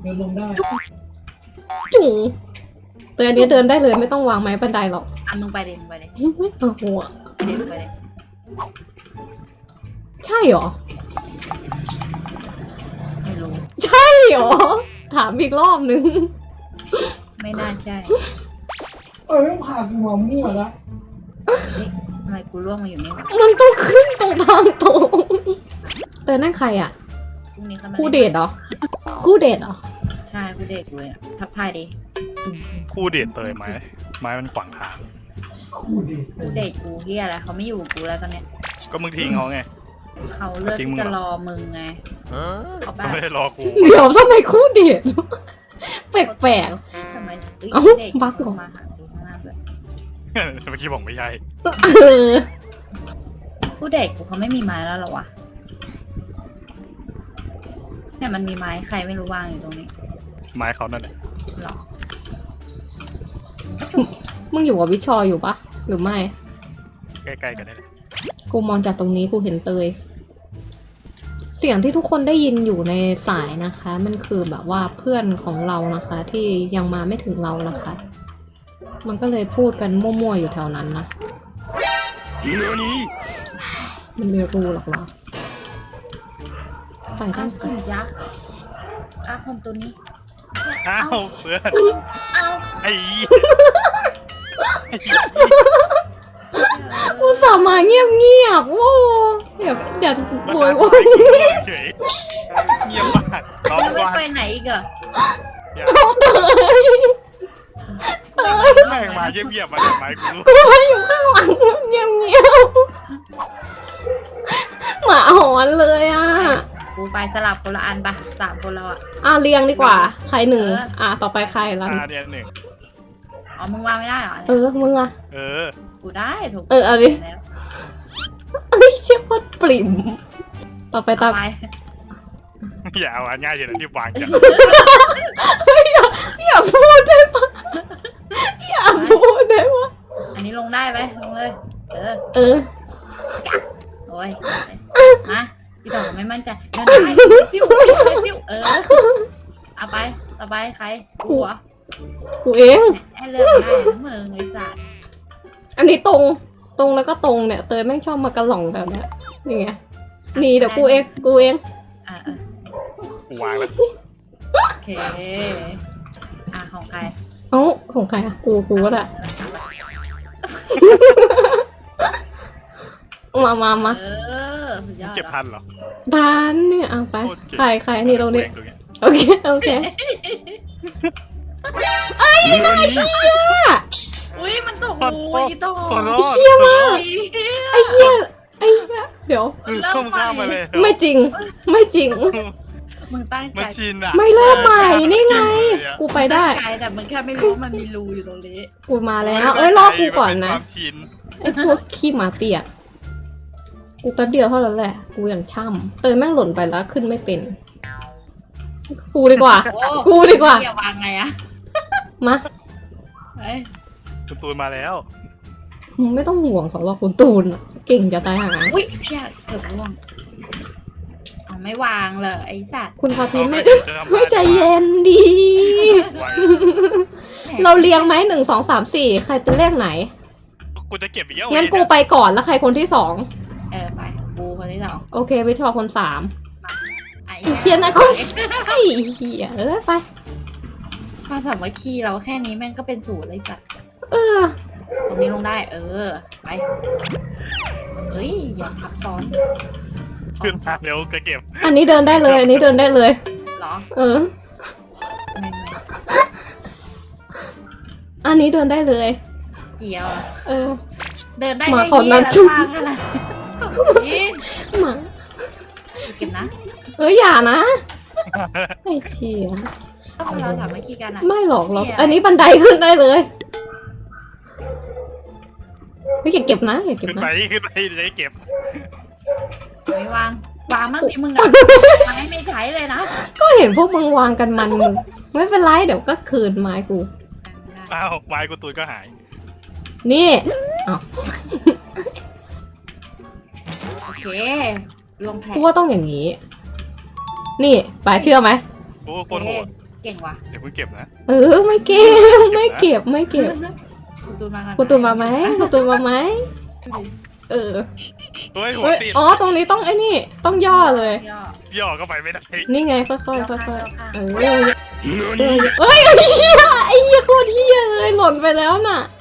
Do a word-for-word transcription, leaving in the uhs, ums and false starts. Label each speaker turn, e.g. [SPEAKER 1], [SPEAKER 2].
[SPEAKER 1] เดินลงได้
[SPEAKER 2] จุ๋งแต่อันนี้เดินได้เลยไม่ต้องวางไม้บันไดหรอก
[SPEAKER 3] อ่ะมึงไปเลยมึงไปเลย
[SPEAKER 2] ไม่เอาหัว
[SPEAKER 3] ไปเลยมึงไปเลย
[SPEAKER 2] ใช่เหรอ
[SPEAKER 3] ไม่รู้
[SPEAKER 2] ใช่เหรอถามอีกรอบนึง
[SPEAKER 3] ไม่น่าใช่
[SPEAKER 1] เออไม่พากูมามั่วละ
[SPEAKER 3] ทำไมกูร่วงมาอยู่นี่วะ
[SPEAKER 2] มันต้องขึ้นตรงทางตรงแต่นั่นใครอ่ะคู่เดทเหรอคู่เดทเหรอ
[SPEAKER 3] ใช่คู่เดทเลยอ่ะทักทายดิ
[SPEAKER 4] คู่เดทเตยไหมไม้มันขวางทาง
[SPEAKER 1] คู่เดท
[SPEAKER 3] คู่เดทกูเฮียอะไรเขาไม่อยู่กูแล้วตอนเนี้ย
[SPEAKER 4] ก็มึงทิ้งเขาไง
[SPEAKER 3] เขาเลือกที่จะรอมึงไง
[SPEAKER 4] เขาไม่ได้รอกู
[SPEAKER 2] เดี๋ยวทำไมคู่เดทแปลก
[SPEAKER 3] ๆทำไม
[SPEAKER 2] เอ้าบัก
[SPEAKER 3] มาหาดูข้างหน้าด้วย
[SPEAKER 4] เมื่อกี้บอกไม่ใช่
[SPEAKER 3] คู่เดทกูเขาไม่มีไม้แล้วหรอวะเนี่ยมันมีไม้ใครไม่รู้วางอยู่ตรงนี้
[SPEAKER 4] ไม้เขานั่นแหละ
[SPEAKER 3] หรอ
[SPEAKER 2] มึงอยู่กับวิชออยู่ปะหรือไม่
[SPEAKER 4] ใกล้ๆกันได้เลย
[SPEAKER 2] กูมองจากตรงนี้กูเห็นเตยเสียงที่ทุกคนได้ยินอยู่ในสายนะคะมันคือแบบว่าเพื่อนของเรานะคะที่ยังมาไม่ถึงเรานะคะมันก็เลยพูดกันมั่วๆอยู่แถวนั้นนะมันไม่รู้หรอกเหรอ
[SPEAKER 3] ไปกันจริงจักอ้าคนตัวนี้
[SPEAKER 4] อ้าวเพื่อน
[SPEAKER 3] อ้าว
[SPEAKER 4] ไอ้
[SPEAKER 2] อุตส่าห์มาเงียบเงียบโว้เดี๋ยวเดี๋ยวโวยโว้
[SPEAKER 4] เฉยเงียบมาก
[SPEAKER 3] ร้องว่าไปไหนอีกอะ
[SPEAKER 2] เอาเตย
[SPEAKER 4] เตยแม่งมาเงียบๆมาจากไม้กู
[SPEAKER 2] กูมาอยู่ข้างหลังเงียบเงียบหมาหอนเลยอ่ะ
[SPEAKER 3] กูไปสลับคนละอันปะสามคนเราอ่ะ
[SPEAKER 2] อ่ะเรียงดีกว่าใครหนึ่งอ่ะต่อไปใครละ
[SPEAKER 4] อ่ะเรียงหนึ่ง
[SPEAKER 3] อ๋อมึงวางไม่ได้เหรอ
[SPEAKER 2] เออมึงอ่ะ
[SPEAKER 4] เออ
[SPEAKER 3] กูได้ถูก
[SPEAKER 2] เออเอาดิเอ้ยเชี่ยโคตรปริ่มต่อไปตาม
[SPEAKER 4] อย่าเอาอันง่ายเฉยๆที่วางกัน
[SPEAKER 2] อย่าอย่าพูดได้ปะอย่าพูดได้ปะ
[SPEAKER 3] อันนี้ลงได้ไหมลงเลยเออ
[SPEAKER 2] เออ
[SPEAKER 3] โอ้ยมาพี่ต่อไม่มั่นใจเดินได้ฟิวฟิวเออเอาไปต่อไปใครกูเหรอ
[SPEAKER 2] กูเอง
[SPEAKER 3] ไอ้เรื่องได้เมืองไอ้สัตว์
[SPEAKER 2] อันนี้ตรงตรงแล้วก็ตรงเนี่ยเตยแม่งชอบมากระหล่องแบบเนี้ยนี่ไงนี่เดี๋ยวกูเองกูเอง
[SPEAKER 3] อ่ะ
[SPEAKER 4] กูวางแล้ว
[SPEAKER 3] โอเคอ่ะของใคร
[SPEAKER 2] เอ้าของใครอ่ะกูกูก็ได้มามามา
[SPEAKER 3] เออ
[SPEAKER 4] เก็บทันเหรอ
[SPEAKER 2] ทันเนี่ยเอาไปใครใครนี่เราเนี่ยโอเคโอเคไอ้เหี้ย
[SPEAKER 3] อุ้ยมันตกอุ้ยตก
[SPEAKER 2] ไอ้เหี้ยมากไอ้เหี้ยไอ้เหี้ยเดี๋ยว
[SPEAKER 4] ข้ามข้ามมาเลย
[SPEAKER 2] ไม่จริงไม่จริง
[SPEAKER 3] มึงตั้งใจ
[SPEAKER 2] ไม่เริ่มใหม่นี่ไงกูไปได้
[SPEAKER 3] แต่มึงแค่ไม่รู้มันมีรูอยู่ตรงนี้
[SPEAKER 2] กูมาแล้วเอ้ยรอกูก่อนนะไอ้พวกขี้หมาเปียกกูแป๊บเดียวเท่านั้นแหละกูอย่างช่ำเตยแม่งหล่นไปแล้วขึ้นไม่เป็นกูดีกว่ากูดีกว่า
[SPEAKER 3] อย่าวางไงอะ
[SPEAKER 2] มา
[SPEAKER 4] คุณตูนมาแล้ว
[SPEAKER 2] มึงไม่ต้องห่วงเขาหรอกคุณตูนเก่งจะตายหา
[SPEAKER 3] อุ้ยเพี้ยเกือบร่วงเอาไม่วางเลยไอ้สัตว์
[SPEAKER 2] คุณพาพิมไม่ไม่ใจเย็นดีเราเรียงไหมหนึ่งสองสามสี่ใครเป็นเลขไหน
[SPEAKER 4] กูจะเก็บอีกแล้ว
[SPEAKER 2] งั้นกูไปก่อนแล้วใครคนที่สอง
[SPEAKER 3] เออไปกูคนที่สอง
[SPEAKER 2] โอเคไปชอคนสามเทียนนะคนไอ้เหี้ยเออไป
[SPEAKER 3] ความสามัคคีเราแค่นี้แม่งก็เป็นศูนย์เลยจัด
[SPEAKER 2] เออ
[SPEAKER 3] ตรงนี้ลงได้เออไปเฮ้ยอย่าทับซ้อน
[SPEAKER 4] ขึ้นมาเร็วจะเก็บ
[SPEAKER 2] อันนี้เดินได้เลยอันนี้เดินได้เลย
[SPEAKER 3] หรอ
[SPEAKER 2] เอออันนี้เดินได้เลย
[SPEAKER 3] เกี่ยว
[SPEAKER 2] เออ
[SPEAKER 3] เดินได้ไม่กี่ละทางขนาดนี้
[SPEAKER 2] มา
[SPEAKER 3] เก็บนะ
[SPEAKER 2] เอออย่านะไอ้เชี่ย
[SPEAKER 3] เราถามไม่คีกันอะ
[SPEAKER 2] ไม่หรอกหรอกอันนี้บันไดขึ้นได้เลยไม่อย่าเก็บนะอย่าเก็บนะ
[SPEAKER 4] ขึ้นไปขึ้นไปเลยเก็บ
[SPEAKER 3] ไม่วางวางมั่งดิมึงอะไม้ไม่ใช้เลยนะ
[SPEAKER 2] ก็เห็นพวกมึงวางกันมันมึงไม่เป็นไรเดี๋ยวก็คืนไม้กู
[SPEAKER 4] อ้าวไม้กูตุยก็หาย
[SPEAKER 2] นี่อ้าว
[SPEAKER 3] โอเคลงแผล
[SPEAKER 2] กูว่าต้องอย่างนี้นี่ไปเชื่อไหม
[SPEAKER 4] โอ้คนโหด
[SPEAKER 3] เก่งว่ะ
[SPEAKER 4] เดี๋ยวเพิ่งเก็บนะ
[SPEAKER 2] เออไม่เก็บไม่เก็บไม่เก็บ
[SPEAKER 3] คุณตูนมากัน
[SPEAKER 2] คุณตูนมาไหมคุณตูนมาไหมเออ
[SPEAKER 4] เฮ้ยหัว
[SPEAKER 2] เฮ้ย
[SPEAKER 4] ติด
[SPEAKER 2] อ๋อตรงนี้ต้องไอ้นี่ต้องย่อเลย
[SPEAKER 3] ย่อย่
[SPEAKER 4] อก็ไปไม่ได้
[SPEAKER 2] นี่ไงค่อยๆค่อยๆ
[SPEAKER 3] ย่อ
[SPEAKER 2] ค่อย
[SPEAKER 3] ข้าง
[SPEAKER 2] ๆเออเอ้ยไอ้เหี้ยไอ้เหี้ยโคตรเหี้ยเลยหล่นไปแล้วน่ะ